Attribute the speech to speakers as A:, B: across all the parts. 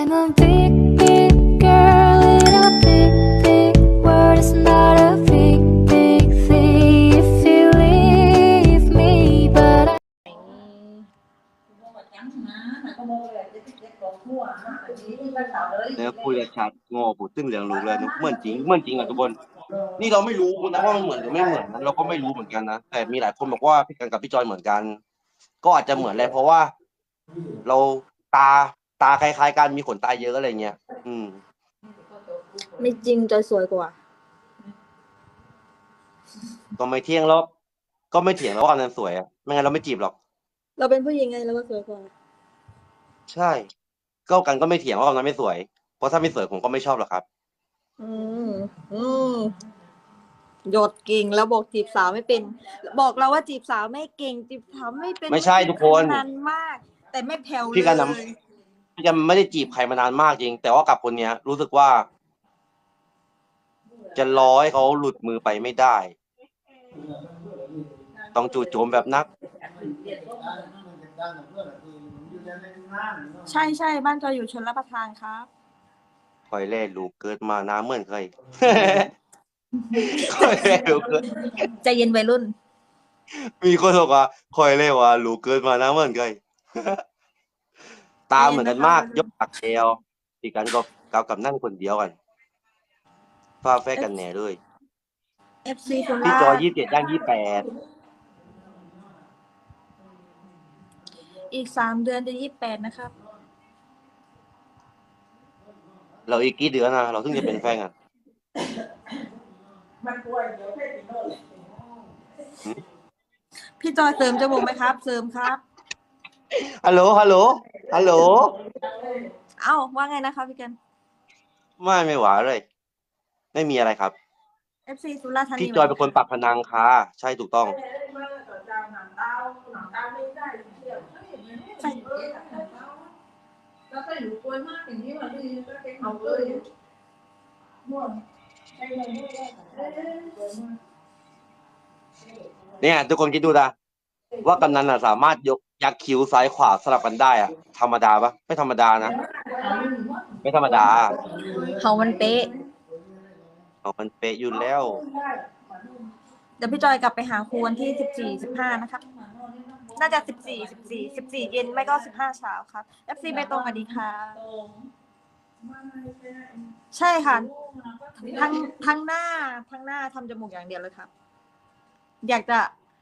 A: I'm a big, big girl in a big, big world. It's not a big, big thing if you leave me, but I
B: เนื้อคุยกับชัดโง่พูดตึ้งเหลืองรู้เลยนุเหมือนจริงเหมือนจริงอ่ะทุกคนนี่เราไม่รู้นะว่ามันเหมือนหรือไม่เหมือนนั้นเราก็ไม่รู้เหมือนกันนะแต่มีหลายคนบอกว่าพี่กันกับพี่จอยเหมือนกันก็อาจจะเหมือนแหละเพราะว่าเราตาตาคล้ายๆกันมีขนตาเยอะอะไรเงี้ย
C: ไม่จริงจอยสวยกว่า
B: ก็ไม่เที่ยงแล้วก็ไม่เถียงแล้วว่าอันนั้นสวยอ่ะไม่งั้นเราไม่จีบหรอก
C: เราเป็นผู้หญิงไงเราก็สวยกว่า
B: ใช่ก็กันก็ไม่เถียงว่าอันนั้นไม่สวยเพราะถ้าไม่สวยผมก็ไม่ชอบหรอกครับ
C: อืมอืมหยดเก่งแล้วบอกจีบสาวไม่เป็น บอกเราว่าจีบสาวไม่เก่งจีบสาวไม่เป็น
B: ไม่ใช่ทุกคน
C: นานมาก แต่ไม่แผ่วเลย
B: พี่กันนะพี่กันไม่ได้จีบใครมานานมากจริงแต่ว่ากับคนเนี้ยรู้สึกว่าจะรอให้เขาหลุดมือไปไม่ได้ต้องจู่โจมแบบนัก
C: ใช่ใช่บ้านจอยอยู่ชลประทานครับ
B: คอยแล่ลูกเกิดมาน้าเหมือนเคย คอยแล่ลูกเกิด
C: ใจเย็นวัยรุ่น
B: มีคนบอกว่าคอยแล่ว่าลูกเกิดมาน้าเหมือนเคย ตาเหมือนกันมากยกปากแกวพี่กันก็กับนั่งคนเดียวกันฟ้าแฟกันแหน่เลย
C: FC โค
B: พี่
C: รา
B: จอย
C: ช
B: 27ย่าง28
C: อีก3 เดือนจะ28นะครับ
B: เราอีกกี่เดือนนะเราถึงจะเป็นแฟนกัน
C: พี่จอยเสริมจมูกไหมครับ เสริมครับ
B: ฮัลโหลฮัลโหลฮัลโหล
C: เอ้าว่าไงนะคะพี่กัน
B: ไม่หวาเลย ไม่มีอะไรครับ
C: FC สุราษฎร์ธานี
B: พี่จอยเป็นคนปักพนังค่ะใช่ถูกต้องเนี่ยทุกคนคิดดูนะว่ากำนันสามารถยกยักษ์คิ้วซ้ายขวาสลับกันได้อะธรรมดาปะไม่ธรรมดานะไม่ธรรมดา
C: เขามันเป๊ะ
B: เอามันเป๊ะอยู่แล้ว
C: เดี๋ยวพี่จอยกลับไปหาครูวันที่14-15นะครับ น่าจะ14 เย็นไม่ก็15เช้าครับ FC ไปตรงกันดีค่ะใช่ค่ะทั้งหน้าทำจมูกอย่างเดียวเลยครับ อยาก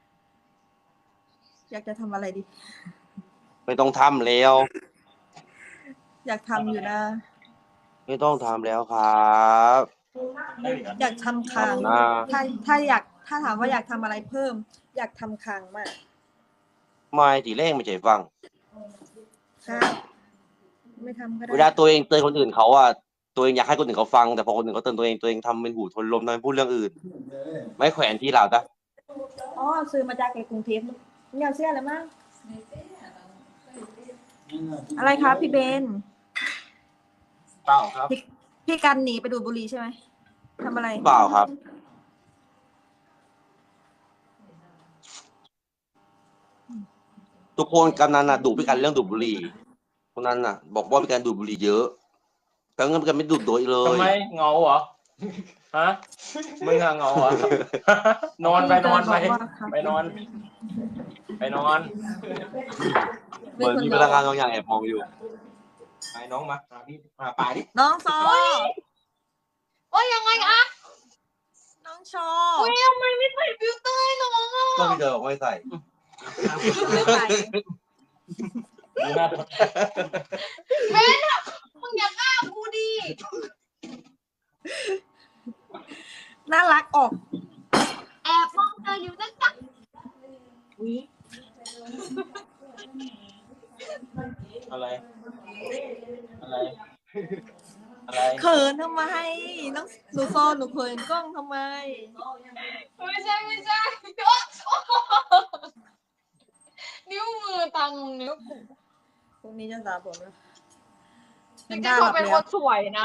C: จะทำอะไรดี
B: ไม่ต้องทำแล้ว
C: อยากทำอยู่นะ
B: ไม่ต้องทำแล้วครับ
C: อยากทำคาง
B: ทำนะ
C: ถ้าถามว่าอยากทำอะไรเพิ่ม อยากทำคางมาก
B: ไม่ทีแรกไม่ใช่ฟัง
C: ครับไม่ทำก็ได้
B: เวลาตัวเองเตือนคนอื่นเขาอะตัวเองอยากให้คนอื่นเขาฟังแต่พอคนอื่นเขาเตือนตัวเองทำเป็นหูทนลมทำเป็นพูดเรื่องอื่น ไม่แขวนที่เราจ้ะ
C: อ๋อซื้อมาจากกรุงเทพไม่เอาเสื้ออะไรมั้งอะไรครับพี่เบน
B: เปล่าครับ
C: พี่กันหนีไปดูดบุหรี่ใช่ไหมทำอะไร
B: เปล่าครับทุกคนกำนันน่ะดุพี่กันเรื่องดูดบุหรี่คนนั้นน่ะ บอกว่าพี่กันดูดบุหรี่เยอะแต่งั้นพี่กันไม่ดูดโดยเลย
D: ทำไมเหงาเหรอ ฮะมึงอะเหงาเหรอ นอนไปนอนไปไปนอนไปนอน
B: เหมือนมีพลังงานบางอย่างแอบมองอยู่
D: ไปน้องมาพี่มาปลายดิ
C: น้องซอ
E: โอ้ยยังไงอะ
C: น้องชอ
E: โอ้ยทำไมไม่ใส่ฟิลเตอร์ให้น้องอะ
B: ก็พี่เดินบอกไม่ใส่
C: ไม่ใส่
D: ดูหน้า
E: เบนอะมึงอย่าฆ่ากูดิ
C: น่ารักออก
E: แอบมองเธออยู่นะจ๊ะ
D: อะไร อะไร อะไร
C: เขินทำไมน้องหนูซอหนูเขินกล้องทำไม
E: ไม่ใช่นิ้วมือตังนิ้ว
C: พรุ่งนี้จะสระผมแล้ว
E: จริงๆเขาเป็นคนสวยนะ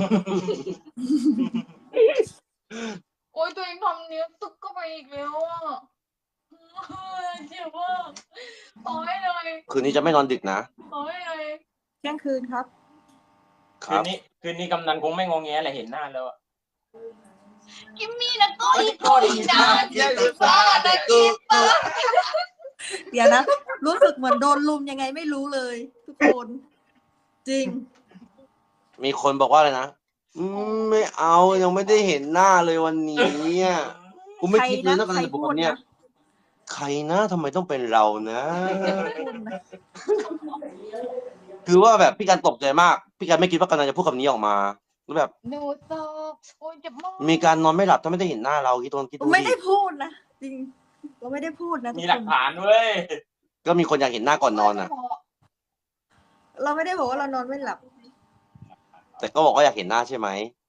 E: โอ้ยตัวเองทำนิ้วตึกก็ไปอีกแล้วอ่ะเจ็บมากต่อให้เลย
B: คืนนี้จะไม่นอนดึกนะ
E: ต่อให้เลย
C: เที่ยงคืนครับ
B: ครับ
D: คืนนี้กำนันคงไม่งงแงแหละเห็นหน้าแล้วอะ
E: กิมมี่นะก็อีกคนจ้าเจ้าฟ้านะกิมเตอร์
C: เดี๋ยวนะ รู้สึกเหมือนโดนลุมยังไงไม่รู้เลย ทุกคน จริง
B: มีคนบอกว่าอะไรนะไม่เอายังไม่ได้เห็นหน้าเลยวันนี้อ่ะกูไม่คิดเลยนะ
C: ใคร
B: การจะบอก
C: พูด
B: คำเนี้ย
C: นะ
B: ใครนะทำไมต้องเป็นเรานะ
C: พูดนะ
B: คือว่าแบบพี่การตกใจมาก พี่การไม่คิดว่ากำลังจะพูดคำนี้ออกมาแล้วแบบ
E: หนูตอบโอ้ยเจ็บมาก
B: มีการนอนไม่หลับถ้าไม่ได้เห็นหน้าเราคิดดู
C: ไม่ได้
B: ดิ
C: พูดนะ จริง เราไม่ได้พูดนะทุ
D: มี
C: ก
D: หลั
C: ค
D: ก
C: น
D: ฐานเว้ย
B: ก็มีคนอยากเห็นหน้าก่อนนอนอ่ะ
C: เราไม่ได้บอกว่าเรานอนไม่หลับ
B: แต่ก็บอกว่าอยากเห็นหน้าใช่ไหม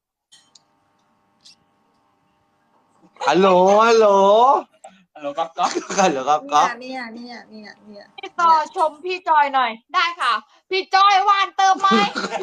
B: ฮัลโหลฮัลโหล
D: ฮัลโหลก๊อฟก๊อฟ
B: กันเหรอครับก๊อฟ
C: เนี่ย
E: พี่ต่อชมพี่จอยหน่อย ได้ค่ะ พี่จอยหวานเติมไหม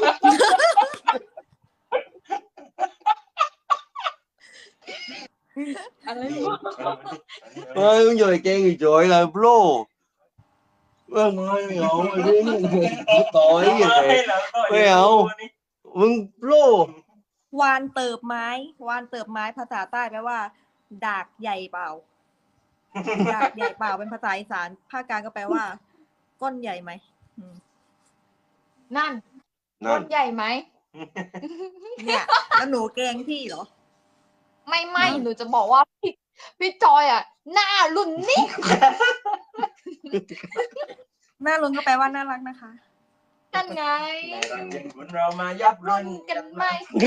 E: อะไรวะ
B: เฮ้ยมึงอยู่ในเกงอีกจ่อยเลยโบรไม่เอาไอ้เรื่องต่อยอย่างไรไม่เอามึงโบร
C: วานเติบไม้ วานเติบไม้ภาษาใต้แปลว่า ดากใหญ่เปล่า ดากใหญ่เปล่าเป็นภาษาอีสาน ภาคกลางก็แปลว่า ก้นใหญ่ไหมอืม
E: นั่นค
B: นั่น
E: นใหญ่ไหม
C: เนี่ย แล้วหนูแกล้งพี่เหรอ
E: ไม่หนูจะบอกว่าพี่จอยอ่ะ หน้ารุ่นนี้
C: หน้าลุงก็แปลว่าน่ารักนะคะ
E: นั่นไง
D: เรามายับ
E: รุ่นกันไหม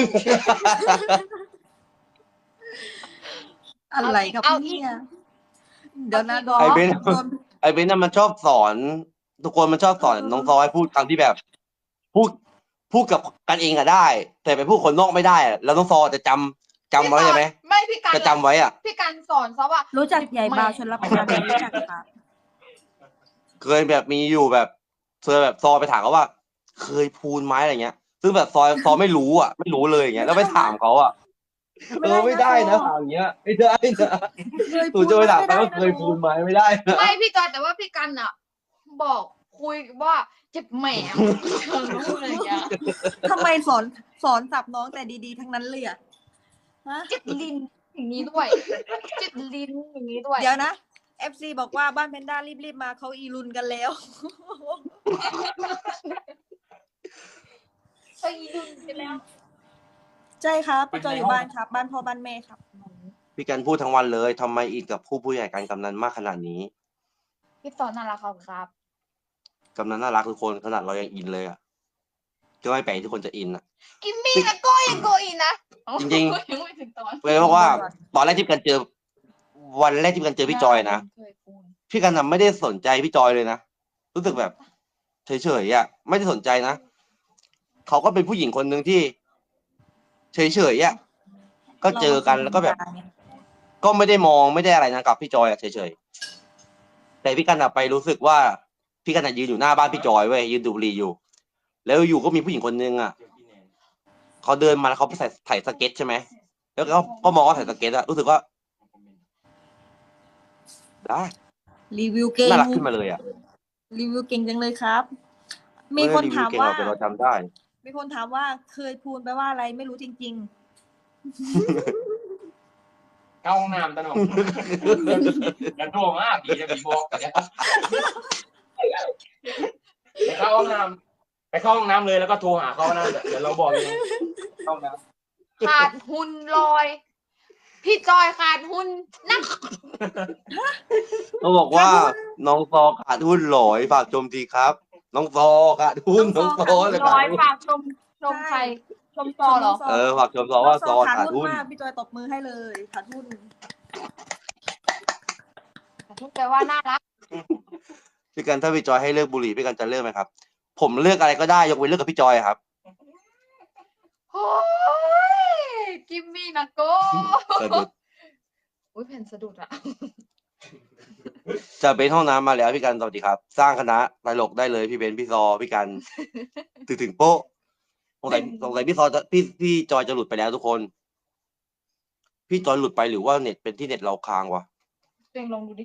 C: อะไรกับ
E: เอา
C: พี่
E: อีก
C: เนี่ยเดี๋ยวนะ
E: เอาอีก
C: โดน
B: ไอ้เบนน่ะมันชอบสอน ทุกคนมันชอบสอนน้องซอยพูดคำที่แบบ พูดกับกันเองอะได้ แต่ไปพูดคนนอกไม่ได้อะแล้วน้องซอจะจำไว้ใช่ไหม
E: ไม่พี่การ
B: จะจำไว้อ่ะ
E: พี่การสอนซะว่า
C: รู้จักใหญ่บาวชนรับประทานไหมรู้จักครับ
B: เคยแบบมีอยู่แบบเคยแบบซอไปถามเขาว่า เคยพูนไหมอะไรเงี้ย ซึ่งแบบซอไม่รู้อ่ะ ไม่รู้เลยอย่างเงี้ยแล้วไปถามเขาอ่ะไม่ได้นะถามอย่างเงี้ยไม่ได้นะ
C: เคย
B: หนูจะไปถามเขาว่าเคยพูนไหมไม่ได้นะ
E: ไม่พี่จอยแต่ว่าพี่กันอ่ะ บอกคุยว่าเจ็บแหมวอะไรอย่างเงี้ย
C: ทำไมสอนสับน้องแต่ดีๆทั้งนั้นเลยอะฮะ
E: เจ็บลิ้นอย่างนี้ด้วยเจ็บลิ้นอย่างนี้ด้วย
C: เดี๋ยวนะ FC บอกว่าบ้านเพนด้ารีบๆมาเขาอีรุนกันแล้ว
E: ไปดึงไปแล้ว
C: ใช่ครับพี่จอยอยู่บ้านครับ บ้านพ่อบ้านแม่ครับ
B: พี่กันพูดทั้งวันเลยทำไมอินกับผู้ใหญ่การกำนันมากขนาดนี้
E: พี่สอนน่ารักครับ
B: กำนันน่ารักทุกคนขนาดเรายังอินเลยอ่ะก็ไม่แปลกที่คนจะอินอ่ะ
E: กิมมี่นะก็ยังโกอีนะ
B: จริงๆ
E: ยังไม่ถึงตอน
B: เลยเพราะว่าตอนแรกที่กันเจอ วันแรกที่กันเจอพี่จอยนะ
E: เคยพูด
B: พี่กันไม่ได้สนใจพี่จอยเลยนะรู้สึกแบบเฉยๆอ่ะไม่ได้สนใจนะเขาก็เป็นผู้หญิงคนหนึ่งที่เฉยๆอ่ะก็เจอกันแล้วก็แบบ ก็ไม่ได้มองไม่ได้อะไรนะกับพี่จอยอ่ะเฉยๆแต่พี่กันไปรู้สึกว่าพี่กันยืนอยู่หน้าบ้านพี่จอยเว้ยยืนดูดบุหรี่อยู่ แล้วอยู่ก็มีผู้หญิงคนนึงอ่ะเขาเดินมาแล้วเขาใส่ถ่ายสเก็ตใช่ไหมแล้วก็มองว่าถ่ายสเก็ตอะรู้สึกว่าได้
C: รีวิวเก่ง
B: น่ารักขึ้นมาเลยอ่ะ
C: รีวิวเก่งจังเลยครับ มีคนถามว่า
B: ไได้รีวิเก่งหรอกแต่เราจำได้
C: มีคนถามว่าเคยพูนไปว่าอะไรไม่รู้จริง
D: เข้าห้องน้ำตะหนกกันโดมากดีจะมีบอกกันไปเข้าห้องน้ำไปเข้าห้องน้ำเลยแล้วก็โทรหาเขานะเดี๋ยวเราบอกเองเข้าห้องน้ำ
E: ขาดหุ่นลอย พี่จอยขาดหุ่นนัก
B: เขาบอกว่าน้องซอขาดหุ้นหลอยฝากชมทีครับ น้องซอขาดหุ้นน้องซอเลย
E: ล
B: ขา
E: อ
B: ด
E: ย
B: หุ้น
E: ฝากชมใครชม
C: ๆ
E: ซอเหรอ
B: ฝากชมซอว่าซอ
C: ขา
B: ขา
C: ด
B: ด
C: หุ้
B: หุ้
C: น
B: น
C: มากพี่จอยตบมือให้เลยขาดหุ้น
E: ทุกแปลว่าน่ารัก
B: พี่กันถ้าพี่จอยให้เลิกบุหรี่พี่กันจะเลิกไหมครับ ผมเลือกอะไรก็ได้ยกเว้นเลิกกับพี่จอยครับ
E: โอ้ยกิมมี่นะโก้
B: สะดุด
E: อุ้ยแผ่นสะดุดอะ
B: จะเป็นห้องน้ำมาแล้วพี่กันสวัสดีครับ สร้างคณะตลกได้เลยพี่เบนพี่ซอพี่กันถึงโป๊ะสงสัยพี่ซอจะพี่จอยจะหลุดไปแล้วทุกคน พี่จอยหลุดไปหรือว่าเน็ตเป็นที่เน็ตเราค้างวะ
E: ตัวเองลองดูดิ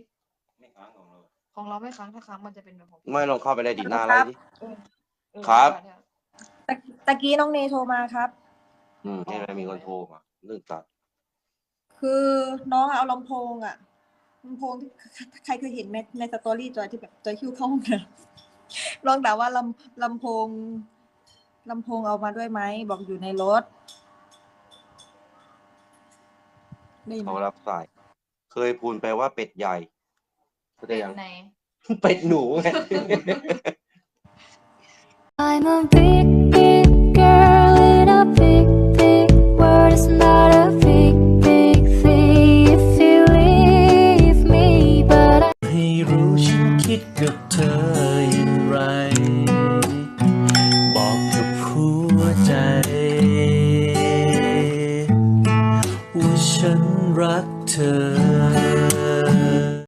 E: ของเราไม่ค้างถ้าค้างมันจะเป็นแบบของ
B: ไม่ลองเข้าไปได้ดีหน้าอะไรดิ
E: เออ
B: ครับ
E: เนี่ย
C: ตะกี้น้องเนโทรมาครับ
B: ใช่ไหมมีคนโทรมาเรื่องตัด
C: คือน้องเอาลำโพงลำโพงที่ใครเคยเห็นในสตอรี่จอยที่แบบจอยคิวเข้าห้องน้ำลองถามว่าลำโพงเอามาด้วยไหมบอกอยู่ในรถได้ยินไหม
B: เขารับสาย เคยพูดไปว่าเป็ดใหญ่เข้าใจ
E: เป็น
B: ยัง
E: ไหน
B: เป็ดหนูไง
A: I'm a big, big girl in a big, big world. It's not a big, big thing if you leave me, but I
F: ให้รู้ฉันคิดกับเธออย่างไร